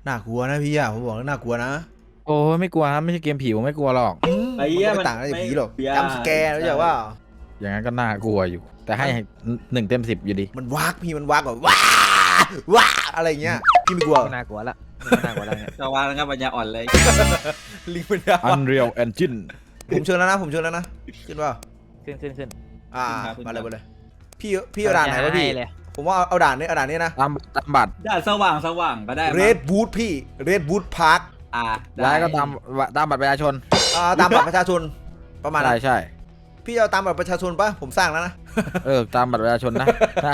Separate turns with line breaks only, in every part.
น่ากลัวนะพี่อะผมบอกแล้วน่ากลัวนะ
โอ้ไม่กลัวครับไม่ใช่เกมผีผมไม่กลัวหรอก
ไอ้เหี้ย
มัน
มัน
ต่างอะไรจากผีหรอก
ไม่
จำสแกร์รู้จักว่า
อย่างนั้นก็น่ากลัวอยู่ แต่ให้1 เต็ม 10อยู่ดี
มันวากพี่มันวากแบบว้าว้าอะไรเงี้ยพี่ไม่กลัว
ไม่น่ากลัวละไม่น่ากลัวละเนี่ย
จะวางแล้วครับปัญญาอ่อนเลย
ลิงมันยาว
Unreal Engine
ผมเชิญแล้วนะผมเชิญแล้วนะขึ้นว่า
ขึ้น
มาเลยมาเลยพี่เอาด่านไหนวะพี่
ให้เลย
ผมว่าเอาด่านนี้นะ
ตามบัตร
ด้านสว่างก็ได้
เรดบูธพี่เรดบูธพาร์ค
ย้ายก็ตามบัตรประชาชน
ตามบัตรประชาชนประมาณนั้
ใช่
น
ใช่
พี่เอาตามบัตรประชาชนปะผมสร้างแล้วนะ
ตามบัตรประชาชนนะใช่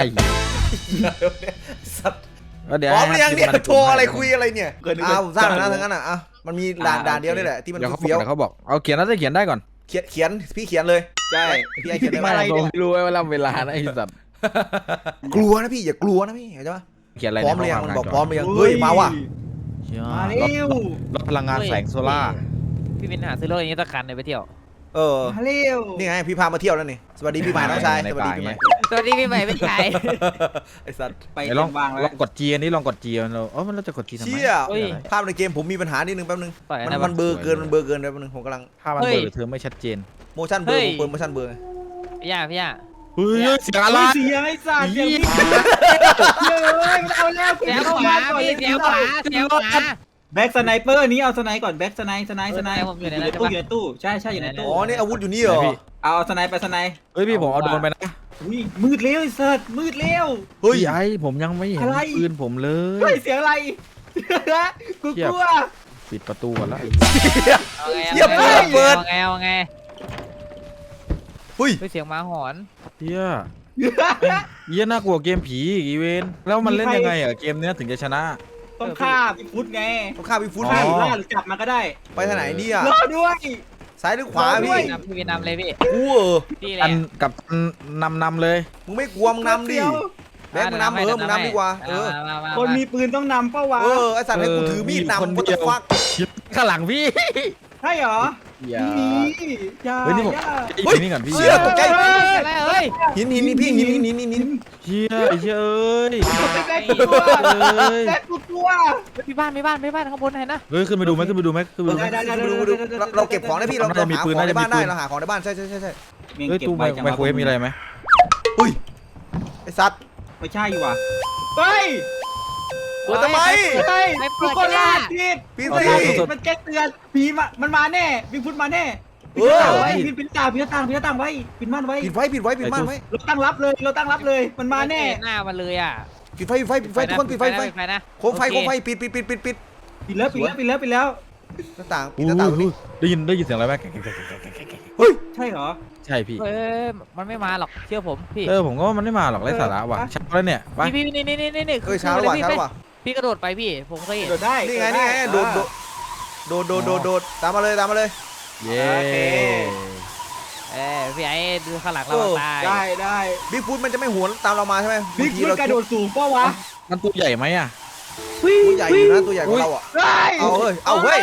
สัตว์
ก็เดี๋ยว
พร้อมหรือยังเนี่ย
ให้
โทรอะไรคุยอะไรเนี่ย
เกิน
ผมสร้างแล้วนะทั้งนั้นอ่ะมันมีด่านเดียวนี่แหละที่มัน
เดี๋ยวเขา
เฟี้ยว
บอกเอาเขียนแล้วจะเขียนได้ก่อน
เขียนพี่เขียนเลย
ใช่
พี่ไอเขียนได้ไหม
อะไรเนี่ย
ไม่รู้ไว้เวลานะไอ้สัตว์
กลัวนะพี่อย่ากลัวนะพี่เข้าใจปะ
เขียนอะไร
พร้อมหรือยังมันบอกพร้อมหรือยังเฮ้ยมาว่ะ
มาเร็ว
รถพลังงานแสงโซล่า
พี่วินหาซื้อรถอย่างนี้สักคันเลยไปเที่ยว
มาเร็ว
นี่ไงพี่พามาเที่ยวแล้วนี่สวัสดีพี่ใหม่น้องชายสวัสดีพี่ใหม่
สวัสดีพี่ใหม่พี่ชาย
ไอสัตว์
ไป
ลอง
วางแล้ว
กด G อันนี้ลองกด G มันเราจะกด G ทำไม
เชี่ยภาพในเกมผมมีปัญหานิดนึงแป๊บนึง
ต่อย
มัน
นะ
มันเบลอเกินแป๊บนึงผมกำลัง
ภาพมันเบลอหรือเธอไม่ชัดเจน
โมชั่นเบลอผมเปิดโมชั่นเบลอ
พี่ย่า
เฮ้ยเสียงอะไร
เสียงไอ้สัตว์เสียงพี่เลยมันเอาแล้ว
เสียขวาพี่เสียขวาเสียขวา
แบ็กสไนเปอร์นี้เอาสไนก่อนแบ็กสไนอยู่ในตู้ใช่อยู่ในตู้
อ๋อนี่อาวุธอยู่นี่เหรอ
เอาสไนไปสไน
เฮ้ยพี่ผมเอาโดรนไปนะ
อุ้ยมืดเร็วไอ้สัตว์มืดเร็ว
เฮ้ย
พี่ไอ้ผมยังไม่เห็น
อะไร
ปืนผมเล
เฮ้
ย
ยเสียงอะไรกูกลัว
ปิดประตูก่อนละ
เอาไง
เฮ้ย
เสียงหมาหอน
เฮียเฮียน่ากลัวเกมผีอีเวนแล้วมันเล่นยังไงอ่ะเกมเนี้ยถึงจะชนะ
ต้องฆ่าพี่ฟุตไง
ต้องฆ่าพี่ฟุต
ฆ่า
พี่
หรือล่าหรือจับมาก็ได้
ไปทางไหนดีอ่ะ
รอด้วย
ซ้ายหรือขวาพี่
พี่วินนำเลยพี่
กู
พี่แห
อั
ละ
นกับนำเลย
มึงไม่กลัวมึงนำดิแบงค์มึงนำมึงนำดีกว่า
คนมีปืนต้องนำเป้าวะ
ไอสัตว์ให้กูถือมีดนำกูจะฟัก
ข้างหลังพี่
ใช่เหรอ
อย่า
มีอย่า
เฮ้ยนี่ผม
อย่า
ไอ้นี่ก่อนพี่
เชี่ยตกใจ
เฮ้ย
หินพี่หิน
เชี่ยไอ้เชี่ยเอ้ย
แบ็คกูกลัวแบ็คกูกลัว
มีบ้านข้างบนเห็นนะ
เฮ้ยขึ้นไปดูไหม
ได้
เราเก็บของได้พี่เราหาของในบ้านได้เราหาของในบ้านใช่
เฮ้ยตู้ไมโครเวฟมีอะไรไหม
อุ้ยไอสัตว์
ไม่ใช่ว่ะเฮ้ย
เปิดทำไม
เฮ้ยทุกคนลาดผิด
พี่
มัน
สิ
มันแจ้งเตือนผีมันมาแน่บิ๊กฟุตมาแน่ปิดหน้าต่างไว้ปิดม่านไว้
ปิดม่านไว้
เราตั้งรับเลยมันมาแน่
หน้ามันเลยอ่ะ
ปิดไฟทุกคนปิดไฟ
นะ
โคมไฟปิด
ปิดแล้ว
หน้าต่าง
ได้ยินเสียงอะไรไหม
เฮ้ย
ใช่เหรอ
ใช่พี่
มันไม่มาหรอกเชื่อผมพี่
ผมก็ว่ามันไม่มาหรอกไร้สาระว่ะชักแล้วเนี่ยไป
พี่นี่
เฮ้ยช้าแล้วว่ะ
พี่กระโดดไปพี่ผมเคยเห็น
โดดได้
นี่ไงโดดตามมาเลย
เย้
พี่ไอ้ดูข้างหลังเราตาย
ได้
บิ๊กฟุตมันจะไม่หวนตามเรามาใช่ไหม
บิ๊กฟุตกระโดดสูงป่าวะ
มันตัวใหญ่ไหมอ่ะ
ตัวใหญ่อยู่นะตัวใหญ่กว่าเราอ่ะเอาเฮ้ย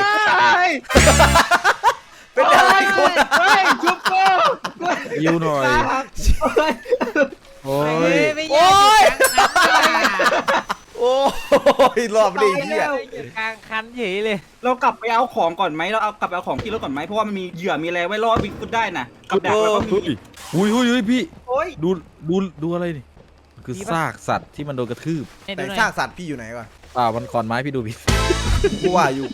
เป็นอะไรคน
เฮ้ยชุบโก้
ยิวหน่อยโอ้ย
โอ้ยรอบนี้เหี้ย
กลางคันเฉยเลย
เรากลับไปเอาของก่อนไหมเราเอากลับไปเอาของที่รถก่อนไหมเพราะว่ามันมีเหยื่อมีอะไรไว้ล่อบิ๊กฟุตได้นะกับดักแล้วก็มี
อุ้ยพี่
โอ้ย
ดูอะไรนี่คือซากสัตว์ที่มันโดนกระทืบ
แต่ซากสัตว์พี่อยู่ไหนก่อน
มันขอนไม้พี่ดูพี่
กูว่าอยู่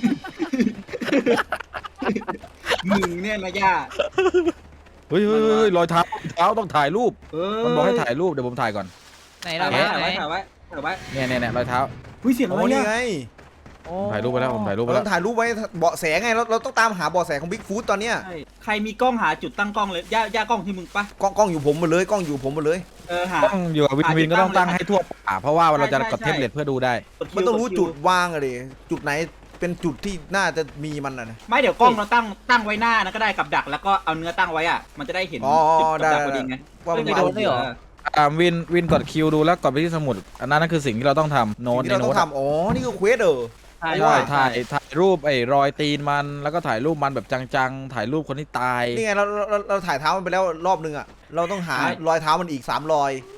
มึงเนี่ยนะย่า
เฮ้ยรอยเท้าต้องถ่ายรูปมันบอกให้ถ่ายรูปเดี๋ยวผมถ่ายก่อน
ไหน
ถ่า
เรา
ยไว้
เนี่ยรอยเท้า
หุ้ยเสียงอะไร
นี่
เนี่ย
ไง
ถ่ายรูปไปแล้วผมถ่ายรูปไป
เรา
แล้
ต้
ว
องถ่ายรูปไว้เบาะแสไงเราต้องตามหาเบาะแสของบิ๊กฟูดตอนเนี้ย
ใครมีกล้องหาจุดตั้งกล้องเลยย่ากล้องที่มึงปะ
กล้องอยู่ผมหมดเลยกล้องอยู่ผมหมดเลย
หา
ต้องอยู่กับวินก็ต้องตั้งให้ทั่วเพราะว่าเราจะกดเทมเพลตเพื่อดูได้
มันต้องรู้จุดวางอะดิจุดไหนเป็นจุดที่น่าจะมีมันนะ
ไม่เดี๋ยวกล้องเราตั้งไว้หน้านะก็ได้กับดักแล้วก็เอาเนื้อตั้งไว้อ่ะมันจะได้เห็นจุดกับดักพอดีไง
ว่ามัน
ไม่
เอา
โดนไม่เหรอ
วินกดคิวดูแล้วกดไปที่สมุดอันนั้นคือสิ่งที่เราต้องทำโน้ต
ที่
ใน
เราต้
โน้
อ
ต
งทำอ๋อนี่คือเควส
ถ่ายรูปไอ้รอยตีนมันแล้วก็ถ่ายรูปมันแบบจังๆถ่ายรูปคนที่ตาย
นี่ไงเราถ่ายเท้ามันไปแล้วรอบนึงอ่ะเราต้องหารอยเท้ามันอีก3 รอย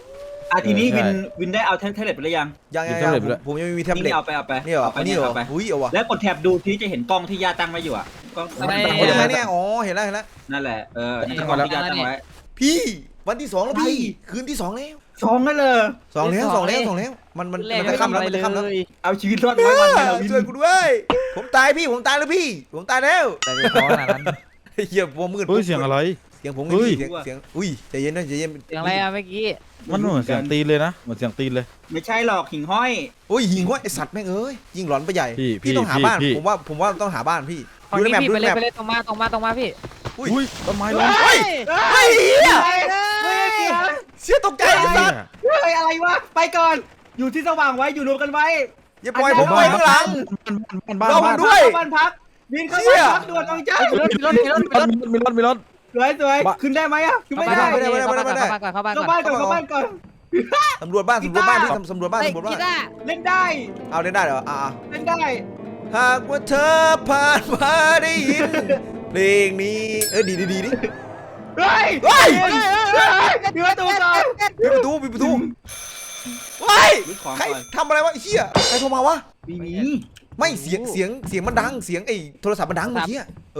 ทีนี้
ใช่
วินได้เอาแท็บเล็ตไปหรือยัง
ยัง
มีแท็บเล็ตด้วย
ผมยังไม่มีแท็บเล็ต
นี่เอาไป
นี่เหรอ
เอาไป
นี่เหรอ
เอาไป
อุ้ยเอาวะ
แล้วกดแท็บดูที่จะเห็นกล้องที่ย่าตั้งไว้อยู่อ่ะกล้อง
อะไร
โอ้ยยังไงเนี่ยอ๋อเห็นแล้ว
นั่นแหละนั่นคือกล้องที่ย่าตั้งไว้
พี่วันที่ 2แล้วพี่คืนที่ 2แล้ว
สองนั่นเลย
2แล้วมันจะค่ำแล้วมันจะค่ำแล้ว
เอาชีวิตรอดไว้วันเดียววิน
ช่วยกูด้วยผมตายพี่ผมตายแล้วพี่ผมตายแล้ว
แต่เป็นเพราะขนาดนั้น
เหี้ยพอมืด
เฮ้ยเสียงอะไร
เสียงผมไง
เฮ้ย
พี่เสียงอุ้ยใจเย็นนะใจเย็น
เสียงอะไรอะเมื่อกี้
มันเหมือนเสียงตีนเลยนะเหมือนเสียงตีนเลย
ไม่ใช่หรอกหิ่งห้อย
โอ้ยยิงว่าไอสัตว์แม่งเอ้ยยิงหลอนไปใหญ่
พี่
ต้องหาบ้าน
พี่
ผมว่าต้องหาบ้านพี่
ฝั่ง
ดูใน
นี้
แมป
พี่
ดู
ไป
ใน
เลย
แมป
ไปเลยตรงมาพี่
อุ้ยต้นไม้ล้ม
เฮ้ยเฮ้ยเหี้ย
ไม่เกี่ยว
เสียตกใจไอ้สัตว์
เฮ้ยอะไรวะไปก่อนอยู่ที่สว่างไว้อยู่รวมกันไว้
อย่าปล่อยผมไปข้างหลัง
บ้าน
เรา
บ้าน
ด้วย
บ้านพักวินเข้า
เชี่
บ้าน
ย
พักด่วนเอาจ้า
มีรถมีรถ
สวยขึ้นได้ไหมอ่ะขึ้นไม่ได้
เข้าบ้านก่อน
เข้าบ้านก่อน
สำรวจบ้านพี่สำรวจบ้าน
เฮ้ย
สำรวจบ้า
กี
น
ตาร์
เล่นได้
เอาเล่นได้เหรอ
เล่นได้
หากว่าเธอผ่านมาได้ยินเพลงนี้ดีดิ
เฮ้ย
เฮ้ย
ปิดประตูก่อน
ปิดประตูเฮ้ยใครทำอะไรวะไอ้เหี้ยใครโทรมาวะ
มี
ไม่เสียงมันดังเสียงไอ้โทรศัพท์มันดังเมื่อกี้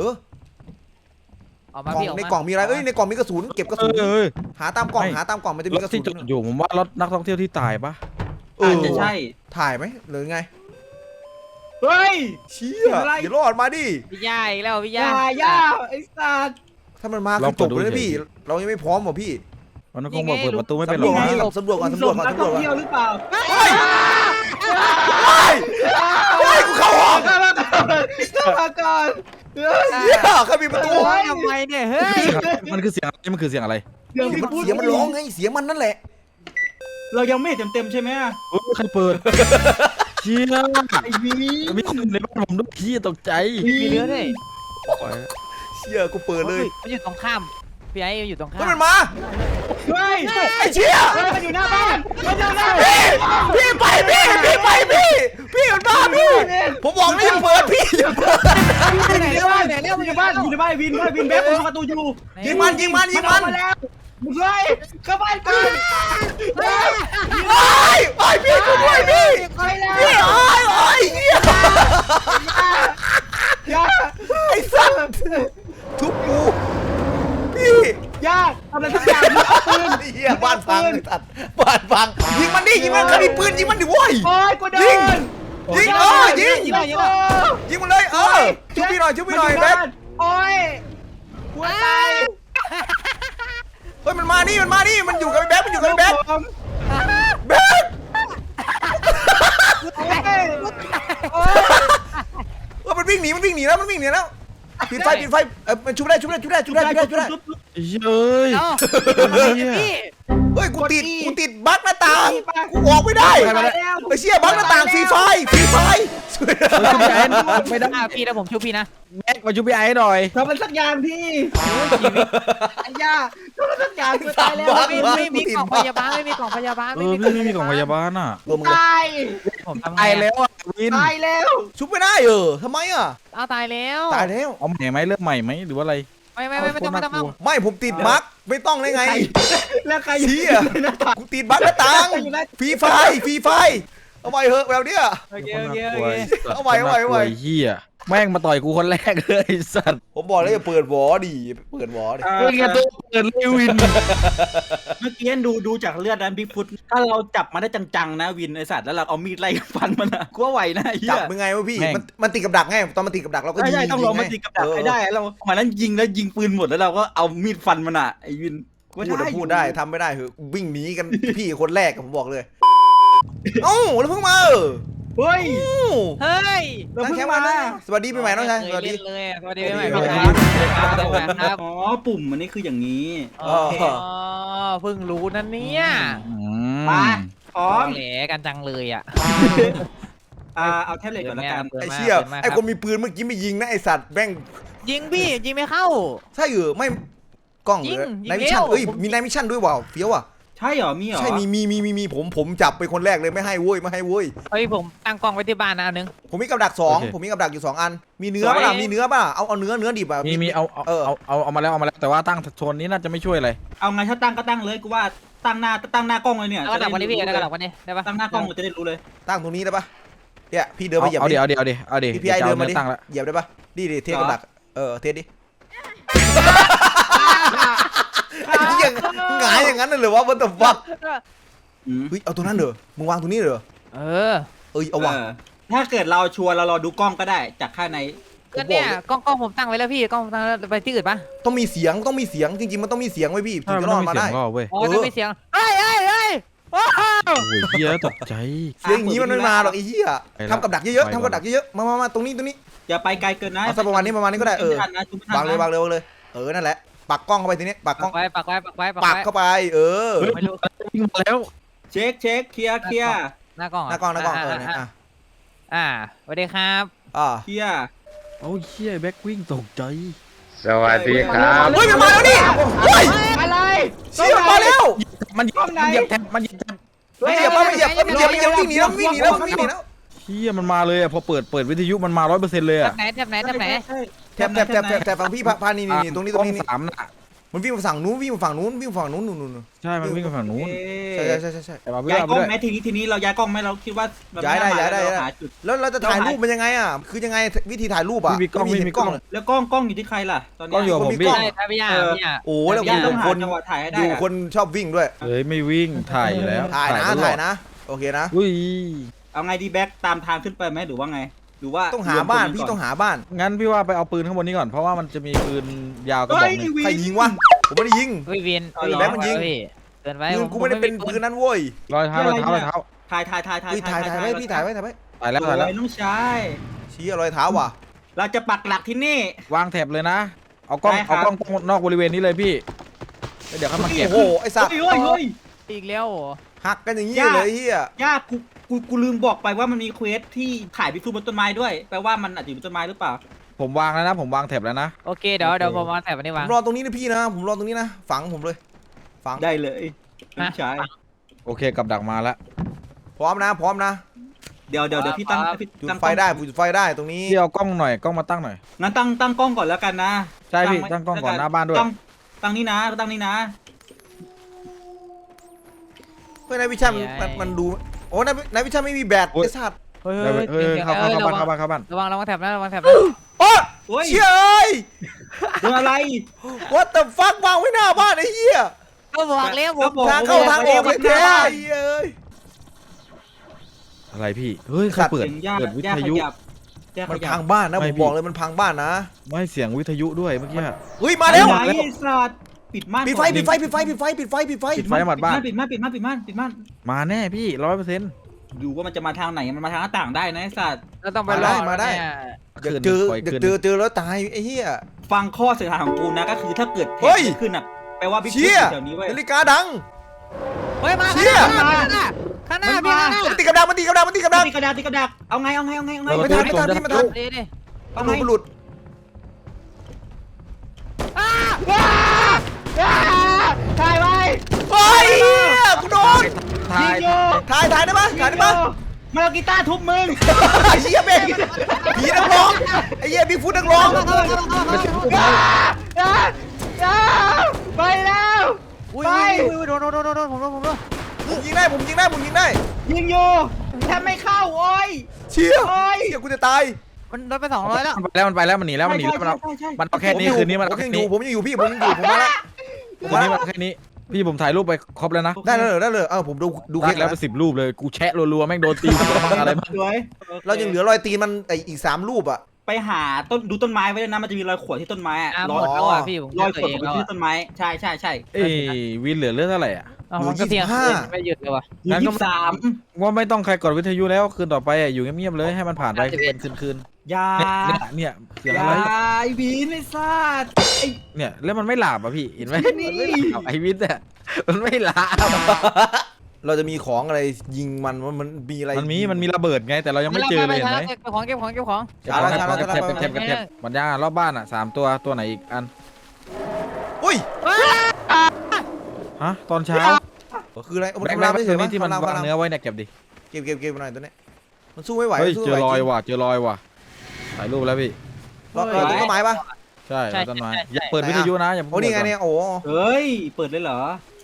ออกมาก
ล่อง
พี่ออก
ใน
มาก
ล่องมีอะไรในกล่องมีกระสุนเก็บกระสุน
เอ้ย
หาตามกล่องมันจะ
ร
มี
ถ
กระสุ
ที่
น
จอดอยู่ผมว่ารถนักท่องเที่ยวที่ตายปะ
อาจจะใช่
ถ่ายไหมหรือไง
เฮ้ย
เชี่ยอย่ารอดมาดิ
พี่ย่าอีกแล้วพี่
อย่า
ย่า
ไอ้สัตว์
ถ้ามันมาคือจบเลยนะพี่เรายังไม่พร้อมหรอพี่
มันคงบอกเปิดประตูไม่เป็นหร
สำร
อ
ว
ก
จ
นะ
สำรวจก่อน
ส่งนักท่องเที่ยวหรือเปล่า
เฮ้ยกูเข้าห้อง
เข้ามาก่อน
เหี้ยเขามีประตู
โอ้ยทำไมเนี่ยเฮ้ย
มันคือเสียงอะไรมันคือเสียงอะไร
เสียงพี่พูด
เสียงมันร้องไงเสียงมันนั่นแหละ
เรายังไม่เต็มใช่ไหม
ใครเปิดเชี่ย
ไอ้วี
มีคนในบ้านผมด้วยพี่ตกใจ
มีเนื้อด้วย
เชี่ยกูเปิดเลย
มันอยู่ตรงข้ามพี่ไอ้อยู่ตรงข้า
ก็
ม
มันมา
เฮ้ย
ไอ้เชี่ย
มันอยู่หน้าบ้านมันอยู่หน้า
พี่ไปพี่มันมาพี่ผมบอกแล้วอย่าเปิดพี่อย่าเปิด
ไหนบ้านอยู่บ้านวินแบ็คประตูอยู่
ยิงมัน
มาแล้วมึงเลยเข้าบ้านก่อน
ไอ้พี่ช่วยด้วยพี่
ไปแล้ว
พี่ไอ้เหี้ย
ย่า
ไอ้สัตว์ทุบกูพี่
ย่าทำอะไรสักอย่างมึงเอาปืน
เหี้ยบ้านพังไอ้สัตว์บ้านพังยิงมันดิยิงมันใครมีปืนยิงมันดิโว้ย
โอ้ยกูโดน
ยิงยิง
ยิง
ยิงมันเลยชุบพี่หน่อยแบ๊ก
โอ้ยกูตาย
เฮ้ยมันมานี่มันอยู่กับไอ้แบ๊กแบ๊ก
โอ้ย
มันวิ่งหนีแล้วปิดไฟมันชุบได้
เฮ้ย
พี่
เฮ้ยกูติดบั๊กหน้าต่างกูออกไม่ได้ไอ้เชี่ยบั๊กหน้าต่างฟรีไฟ
ไม่ได้
พี่นะผมชุบพี่นะ
แม็กมาช่วยพี่ไอ้หน่อย
ทำอะไรสักอย่างพี่ไอ้ย่าทำอะไรสักอย่างกูตายแล้ว
ไม่มีกล่องพยาบาลไม่มีกล่องพยาบาล
พี่ไม่มีกล่องพยาบาลอ่ะ
ตาย
ผมทำ
ตายแล้วอ่ะวิน
ตายแล้ว
ชุบไม่ได้ทำไมอ่ะ
เอาตายแล้ว
ตายแล้ว
เอาใหม่ไหมเริ่มใหม่ไหมหรือว่าอะไร
ไม่ต้อง
ไม่ผมติดบั๊กไม่ต้องได้ไง
แล้วใคร
เชี่ยกูติดบั๊กหน้าต่างฟรีไฟเอาไปเหอะแบบเนี้ย
โอเค
เอาไว้
เฮียแม่งมาต่อยกูคนแรกเลยสัตว์
ผมบอกแล้วอย่าเปิดวอดิ
เฮ้ยแกตัวเปิดเลยวิน
เมื่อกี้ดูจากเลือดนั้นบิ๊กฟุตถ้าเราจับมาได้จังๆนะวินไอสัตว์แล้วเราเอามีดไล่ฟันมันอะกูว่าไหวนะไอ้เหี้
จั
ย
บยังไงวะพี่มันติดกับดักไงตอนมันติดกับดักเราก็ยิง
ใช่ต้องลงมาตีกับดักให้ได้เราหมายนั้นยิงแล้วยิงปืนหมดแล้วเราก็เอามีดฟันมันอะไอ้วิน
พูดได้ทำไม่ได้เหอะวิ่งหนีกันพี่คนแรกผมบอกเลยเอ้าแล้วเพิ่งมา
เฮ้ย
เฮ้ย
เราเพิ่งมา
สวัสดีปีใหม่น้องชายสวัสดี
เลยสวัสดีปีใหม่
สวัสดี
ครับ
อ๋อปุ่มมันนี่คืออย่างนี้
อ๋อเพิ่งรู้นั่นเนี่ย
มาพร้อม
แหลกันจังเลยอ่ะ
เอาแท็บเล็ตก่อนละกัน
ไอ้เชี่ยไอ้คนมีปืนเมื่อกี้ไม่ยิงนะไอ้สัตว์แม่ง
ยิงพี่ยิงไม่เข้า
ใช่ไม่กล้องหรือในมิชชั่นมีในมิชชั่นด้วยว่ะเฟี้ยวอ่ะ
ใช่เหรอมีเหรอ
ใช่มีผมจับไปคนแรกเลยไม่ให้เว้ย
เฮ้ยผมตั้งกล้องไว้ที่บ้านนะนึง
ผมมีกับดัก2ผมมีกับดักอยู่2อันมีเนื้อป่ะเอาเนื้อดิบอ่ะ
มีเอามาแล้วแต่ว่าตั้งโซนนี้น่าจะไม่ช่วยอะไร
เอาไงถ้าตั้งก็ตั้งเลยกูว่าตั้งหน้ากล้องเลยเนี่ย
แล้วก็ดับวันนี้พี่แล้วก็ดับวันนี้ได้ปะ
ตั้งหน้ากล้องเราจะได้รู้เลย
ตั้งตรงนี้ได้ปะเนี่ยพี่เดินมาเหยียบ
เอา
ดิ
เดี๋ยว
พี่ไอเดินมาดิ
ตั้งแล้ว
เหยียบได้ปะดิเทสกับดักเทสดิไอ้เหี้ยหงายอย่างนั้นเลยเหรอวะwhat the fuck เฮ้ยเอาตรงนั้นเหรอมึงวางตรงนี้เหรอ
เออ
เอาวะ
ถ้าเกิดเราชัวร์เรารอดูกล้องก็ได้จากข้างใน
ก็เนี่ยกล้องผมตั้งไว้แล้วพี่กล้องผมตั้งแล้วไปที่อื่นปะ
ต้องมีเสียงจริงๆมันต้องมีเสียงไว้พี่ถึงจะรอดมาได้
ก็เว้ย
อ๋อจะมีเสียงเฮ้ยว้าว
โอ้ยเฮียตกใจ
เสียงอย่างนี้มันไม่มาหรอกไอ้เหี้ยทำกับดักเยอะๆทำกับดักเยอะๆมาตรงนี้
อย่าไปไกลเกินนะ
เอาสักประมาณนี้ก็ได้วางเลยวางเลยนั่นแหละปักกล้องเข้าไปทีนี้ปักกล้อง
ปักไว้
ปักเข้าไป
ไม่รู้
วิ่งมาแล้ว
เช็คเคลียร์
หน้ากล้อง
หน้ากล้องเนี่ย
สวัสดีครับ
เคลียร์
โอ้ยเฮียแบ็ควิ่งตกใจ
สวัสดีครับ
เฮ้ยมันมาแล้วนี่เฮ้ย
อะไร
เชี่ยมาแล้ว
มันเหยียบแทบมันเหยียบแทบ
ไม่เหยียบวิ่งหนีแล้ว
เฮียมันมาเลยอ่ะพอเปิดวิทยุมันมา100%เลยอ่ะ
แถบไหน
แถบฝั่งพี่พานี่ตรงนี้
3น่ะ
มันวิ่งฝั่งนู้นนู่น
ใช่มันวิ่งไปฝั่งนู้น
ใช่
แต่มาเพื่
ย้าย
อน
กล้อง
ด้วย
ไหมทีนี้เราย้ายกล้องไหมเราคิดว่า
ย้ายได้
หาจุด
แล้วเราจะถ่ายรูปมันยังไงอ่ะคือยังไงวิธีถ่ายรูปอ่ะ
มีกล้อง
แล้วกล้องอยู่ที่ใครล่ะตอนนี้
กล้องอยู่กับผมพี่
ใช่ครับพี่ยา
โอ้แล้ว
ต้อง
ค
หาน จังหวะถ่ายให้ได้
อยู่คนชอบวิ่งด้วย
เฮ้ยไม่วิ่งถ่ายอยู่แล้ว
ถ่ายนะโอเคนะ
อุ้ย
เอาไงดีแบ็คตามทางขึ้นไปไหมหรือว่าไงหรือว่า
ต้องหาบ้านพี่ต้องหาบ้าน
งั้นพี่ว่าไปเอาปืนข้างบนนี้ก่อนเพราะว่ามันจะมีปืนยาวกระบอกนึง
ใครยิงวะผมไม่ได้ยิง
วิวินเกินไป
ปืนกูไม่ได้เป็นปืนนั้นเว้ย
รอยเท้า
ถ่าย
ถ่ายไว้พี่ถ่ายไว้
ตายแล้ว
น้องชาย
ชี้รอยเท้าว่ะ
เราจะปักหลักที่นี่
วางแถบเลยนะเอากล้องนอกบริเวณนี้เลยพี่เดี๋ยวเขามาเก็บ
โอ้โหไอ้สัตว์
เฮ้ย
อีกแล้ว
หักกันอย่างนี้เลยเฮีย
ยากกูลืมบอกไปว่ามันมีเควสที่ถ่ายพิซูบนต้นไม้ด้วยแปลว่ามันอาจจะอยู่บนต้นไม้หรือเปล่า
ผมวางแล้วนะผมวางแถบแล้วนะ
โอเคเดี๋ยวผมมาแถบนี้
ผ
วาง
มรอตรงนี้นะพี่นะผมรอตรงนี้นะฝังผมเลยฝัง
ได้เลยน้องชาย
โอเคกับดักมาแล้ว
พร้อมนะ
เดี๋ยวพี่ตั้ง
จุดไฟได้จุดไฟได้ตรงนี้
พี่เอากล้องหน่อยกล้องมาตั้งหน่อย
งั้นตั้งกล้องก่อนแล้วกันนะ
ใช่พี่ตั้งกล้องก่อนหน้าบ้านด้วย
ตั้งนี่นะ
เฮ้ยนายวิชัยมันดูโอ้นายวิชัยไม่มีแบตไอ้สัตว์
เฮ้ย
เข้าบ้าน
ระวังแถบนะ
โอ้
โอ้ย
เชี่ยเอ้ย
โดนอะไร
What the fuck วางไว้หน้าบ้านไอ้เหี้ย
ก็บอกแล้วผม
ทางเข้าทางออกเลยแท้ไอ้เหี้ยเอ้ย
อะไรพี่เฮ้ยใครเปิดวิทยุ
มันพังบ้านนะผมบอกเลยมันพังบ้านนะ
ไม่เสียงวิทยุด้วยเมื่อกี้
เฮ้ยมาแล้ว
ไอ้สัตว์ปิดม่าน
ปิดไฟ
ปิดไฟหมดบ้าน
ปิดม่าน
มาแน่พี่ 100%
ดูว่ามันจะมาทางไหนมันมาทางหน้าต่างได้นะไอ้สัตว์
เราต้องไปรอ
อยากเจอแล้วตายไอ้เหี้ย
ฟังข้อเสียหายของกูนะก็คือถ้าเกิดเห
เฮ้ย
ตุขึ้นอ่ะแปลว่าบิ๊ก
เชี่ย
แถวนี้เว้ย
นาฬิกาดัง
เฮ้ยมา
เชี่ย
ข้างหน้าพี่ข้างหน้า
มันตีกับดัก
ตีกระดาษเอาไง
ไม่ทัน
ดิ
ตำรวจหลุด
ถ่ายไว้
เฮ้ยกูโดน
ยิงโย
ถ่ายได้ปะถ่ายได้ปะ
มาเอากีตาร์ทุบมึง
ไอ้เหี้ยเบงผีนักร้องไอ้เหี้ยบิ๊กฟุตนักร้อง
ไปแล้ว
อุ้ยโดนผมโดน
ผมยิงได้ผมยิงได้
ยิงอยู่แทบไม่เข้าโอ้ย
เชี่ยเชี่ยกูจะตาย
มันโดนไป200แล้ว
มันไปแล้วมันหนีแล้วมันเอาแค่นี้คืนนี้มัน
ผม
เอา
ยัง
แค่
อยู่
นี้
ผมยังอยู่พี่ผมยังอยู่ผมมาแล้ว
คืนนี้มันแค่นี้พี่ผมถ่ายรูปไปครบแล้วนะ
ได้เลยผมดูค
ค
ลิ
ลิ
ป
ก
แล้
แล้ว วไป10 รูปเลยกูแชะรัวๆแม่งโดนตีอะไรมา
สวย
เรายังเหลือรอยตีนมันอีก3รูปอ่ะ
ไปหาดูต้นไม้ไว้เลยนะมันจะมีรอยขวดที่ต้นไม้อะ
หมดแล้วอ่ะพี่ผม
รอยขวดที่ต้นไม้ใช่
เอ้ยวินเหลือเลือดเท่าไหร่อ่ะ
มันก็เพียงไม่หยุดเลยว่ะ
งั้นก็
23
ว่าไม่ต้องใครกดวิทยุแล้วคืนต่อไปอยู่เงียบๆเลยให้มันผ่านไปคืน
ยา
เนี่ยเสียง
ยา
อะไร
ไอบีนไอ้สัตว์ไอ้
เนี่ยแล้วมันไม่หลับอ่ะพี่เห็นไหม
นี่
ไอวิทย์เนี่ยมันไม่หลับ
เราจะมีของอะไรยิงมันมีอะไร
มันมีระเบิดไงแต่เรายังไม่เจอเลยเห็นไหม
เก็บของ
เก็บมันย่ารอบบ้านอ่ะ3ตัวไหนอีกอัน
อุ้ย
ฮะตอนเช้า
คืออะไร
แบงค์ตัวนี้ที่มันวางเนื้อไว้เนี่ยเก็บดิ
เก็บหน่อยตัวนี้มันสู้ไม่ไหว
เฮ้ยเจอรอยว่ะถ่ายรูปแล้วพี่
เราต้นไม้ปะ
ใช่ต้นไม้อย่าเปิดวิทยุนะอย่า
โอ้นี่ไงเนี่ยโอ้
เฮ้ยเปิดเลยเหรอ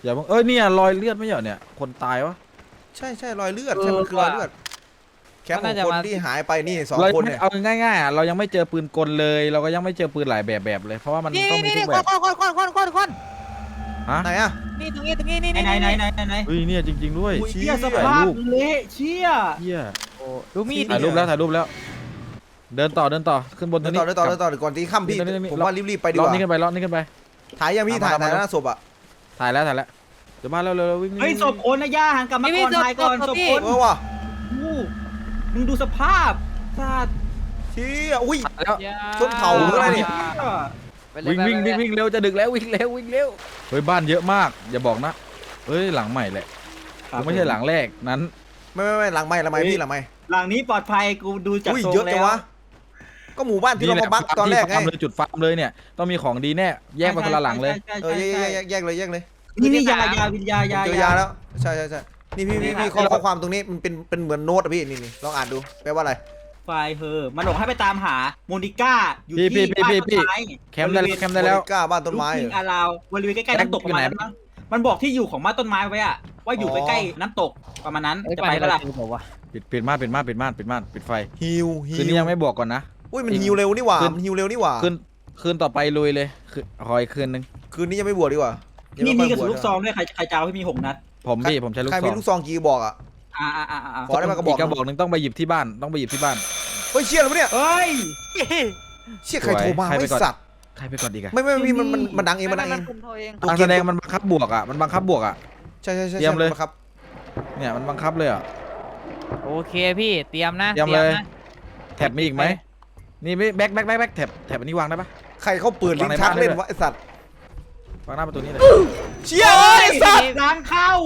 อย่าเพิ่งเนี่ยรอยเลือดไม่เหรอเนี่ยคนตายวะ
ใช่รอยเลือดใช่มันคือรอยเลือดแคปของคนที่หายไปนี่2
เรา
คนเนี่ย
เอาง่ายๆเรายังไม่เจอปืนกลเลยเราก็ยังไม่เจอปืนหลายแบบเลยเพราะว่ามัน
นี่
ต้องมี
นี่
ทุ
นี่
กแบบ
คน
ฮะ
ไหนอะ
นี่ตรงนี้นี่
ไหน
เฮ้ยเนี่ยจริงๆด้วย
อุ้ยเชี่ยสภาพเละเชี่ย
เหี้ย
ดูมีด
ถ่ายรูปแล้วเดินต่อขึ้นบน
เดิ
ตัวน นี้
ต่อก่อนที่ค่ำพี่
นี่
ผมว่ารีบๆไปดีก
รอบ
ว่า
นี้ขึ้นไปรอบนี้ขึ้นไป
ถ่ายยังพี่ถ่ายหน้าศพอะ
ถ่ายแล้วเดี๋ยวมาเร็ววิ่ง
เฮ้ยศพคนนะย่าหันกลับมาก่อนถ่ายก่อนศพคน
ว่ะ
มึงดูสภาพซาด
เชี่ยอุ้ย
แล้ว
ชนเผาหรืออะไรเนี่ย
วิ่งเร็วจะดึกแล้ววิ่งเร็วเฮ้ยบ้านเยอะมากอย่าบอกนะเฮ้ยหลังใหม่แหละไม่ใช่หลังแรกนั้น
ไม่หลังไม่พี่หลังไม่
หลังนี้ปลอดภัยกูดูจาก
อุ้ย
ทรง
เยอะจั
แล้
ง
ว
วะก็หมู่บ้านที่เรามาบักตอนแรกไง
จุดฟาร์มเลยเนี่ยต้องมีของดีแน่แยกไปคนละหลังเลย
แยกเลย
นี่ยาวิญญา
เจอยาแล้วใช่นี่พี่ข้อความตรงนี้มันเป็นเหมือนโน้ตอะพี่นี่ลองอ่านดูแปลว่าอะไร
ไฟเฮอมันบอกให้ไปตามหาโมนิก้าอยู่ที่บ้านต้นไม้
แคมป์ได้แล้ว
กล้าบ้านต้นไม้
ลูกทิ้งอาราวบริเวณใกล้ๆน้ำตกประมาณนั้นมั้งมันบอกที่อยู่ของบ้านต้นไม้ไว้อะว่าอยู่ใกล้ๆน้ำตกประมาณนั้นจะไปแล้วล่ะ
ปิดม่านปิดไฟ
ฮิว
คืนนี้ยังไม่บอกก่อนนะ
อุ้ยมันฮิวเร็วนี่หว่ามันฮิวเร็วนี่หว่า
คืนต่อไปลุยเลยคือคอยคืนนึง
คืนนี้ยังไม่บวชดีกว่า
นี่มีกระสุนลูกซองด้วยใครจะเอาให้มี6 นัด
ผมใช้ลูก
ใคร
ซ
มี
อง
ลูกซองกี่บอกอ่ะ ขอได้มากระบอก
กระบอกนึงต้องไปหยิบที่บ้าน
เฮ้ยเชี่ยแล้วเนี่ย
เอ้ย
เชี่ยใครโทรมาไม่สัตว์
ใครไปก่อนดีกัน
ไม่พี่มันดังเองมันดังเอง
การแสดงมันบังคับบวกอ่ะ
ใช่
เตรียมเลย
ครับ
เนี่ยมันบังคับเลยอ่ะ
โอเคพี่เตรียมนะ
เตรียมเลยแท็บมีอีกไหมนี่แบ็คแท็บอันนี้วางได้ปะ
ใครเขาเปิดลิ้นชักเล่นวะไอสัตว์
วางหน้าประตูนี้เลย
เชี่ยไอสัตว์
ล้างเข้า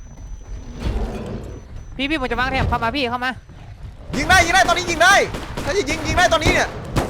พี่ผมจะวางแถบเข้ามาพี่เข้ามา
ยิงได้ตอนนี้ยิงได้ถ้าจะยิงได้ตอนนี้เนี่ย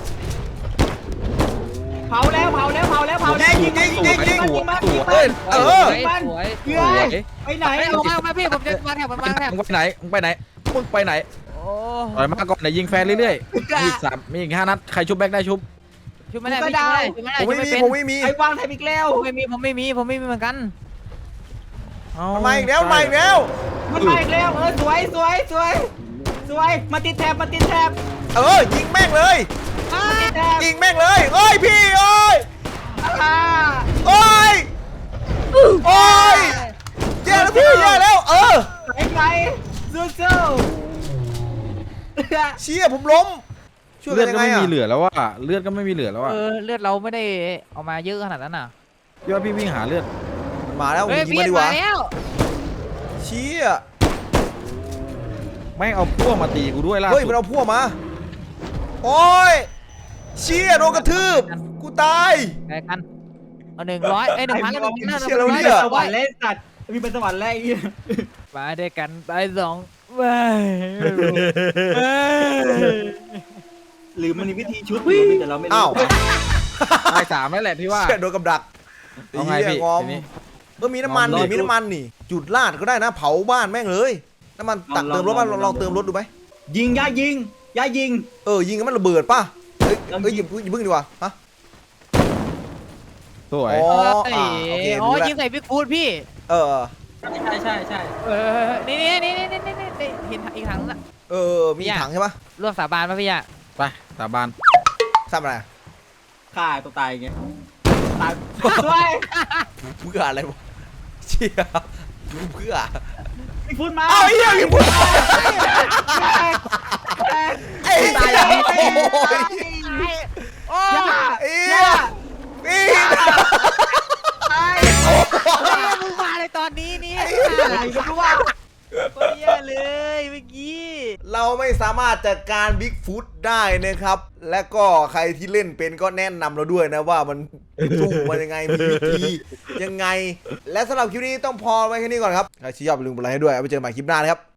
เผาแล้วยิงมัน
เฮ้ย
สวย
เฮ้ยไปไหน
ไปลงมาพี่ผมจะวางแถบผมวางแถบ
มึงไปไหนมึงไปไหน
โอ้
ต่อยมาก่อนเดี๋ยวยิงแฟนเรื่อยๆมีอีก5 นัดใครชุบแบ็คได้ชุบ
ช่วยไม่ได้ช่วยไม่ได้
ผมไม่มี
ไอ้วางแทบอีกแล้ว
ผมไม่มีเหมือนกัน
มันมาอีกแล้ว
มันมาอีกแล้วสวยมาติดแท็บ
ยิงแม่งเลย
ติดแท็บ
ยิงแม่งเลยเอ้ยพี่เอ้ย
อ่า
โอ้ยแย่แล้วพี่แย่แล้ว
ไปสู้
เชี่ยผมล้มช่วย
เลื
กั
อน ด
ยัง
ก็
ไง
ไม่
อ่ะ
มีเหลือแล้วว่ะเลือดก็ไม่มีเหลือแล้วอ่ะ
เลือดเราไม่ได้เอามาเยอะขนาดนั้นน่ะ
ยอดพี่วิ่งหาเลือด
มันมาแล้ว
เฮ้ย
ยิง
พี่
มาดีกว่า
มาแล้ว
เชี่ย
ไม่เอาพวกมาตีกูด้วยล่ะ
เฮ้ยมันเอาพวกมาโอ้ยเชี่ยโดนกระทืบกูตาย
แข่งกันเอา100 1,000แล้ว
เชี่ยเราเนี่ย
สวรรค์เล่นสัตว์มีเป็นสวรรค์แรกอีก
มาด้วยกันไป2ไป
หรือมันมีวิธีชุดแต่เราไม่รู้
อ้าว
ตาย3แล้วแหละพี่ว่า
เชี่ยโดนกับดัก
เอาไงพี่
งอม
ทีนี้
มีน้ำมันนี่จุดลาดก็ได้นะเผาบ้านแม่งเลยน้ำมันตักเติมรถบ้านลองเติมรถดูไหม
ยิงย่ายิง
ยิงแล้วมันระเบิดป่ะเฮ้ยยิงพึ่งดีกว่าฮะ
สวย
โอเค
อ๋อ
รู้แล้ว
ยิงใส่บิ๊กฟูดพี่
ใช่
นี่เห็นอีกถังน่ะ
มีถังใช่ปะ
ร่วมสาบานป่ะพี่อ่ะ
ไปสาบาน
ทำอะไร
ฆ่าตัวตายไงตายด้วย
เพื่ออะไรวะเชี่ยเพื่อ
พี่พูดมา
อ้าวเฮียพี่พูดไอ้ตายอย่างนี้โอ้ย
โอ้
พี่
มึงมาเลยตอนนี้นี่
อะไรก็รู้ว่า
เยอะเลยเมื่อกี้
เราไม่สามารถจัดการบิ๊กฟุตได้นะครับ และก็ใครที่เล่นเป็นก็แนะนำเราด้วยนะว่ามันสู้มันยังไงมีวิธียังไงและสำหรับคลิปนี้ต้องพอไว้แค่นี้ก่อนครับใครที่ชอบอย่าลืมกดไลค์ให้ด้วยเอาไปเจอกันใหม่คลิปหน้านะครับ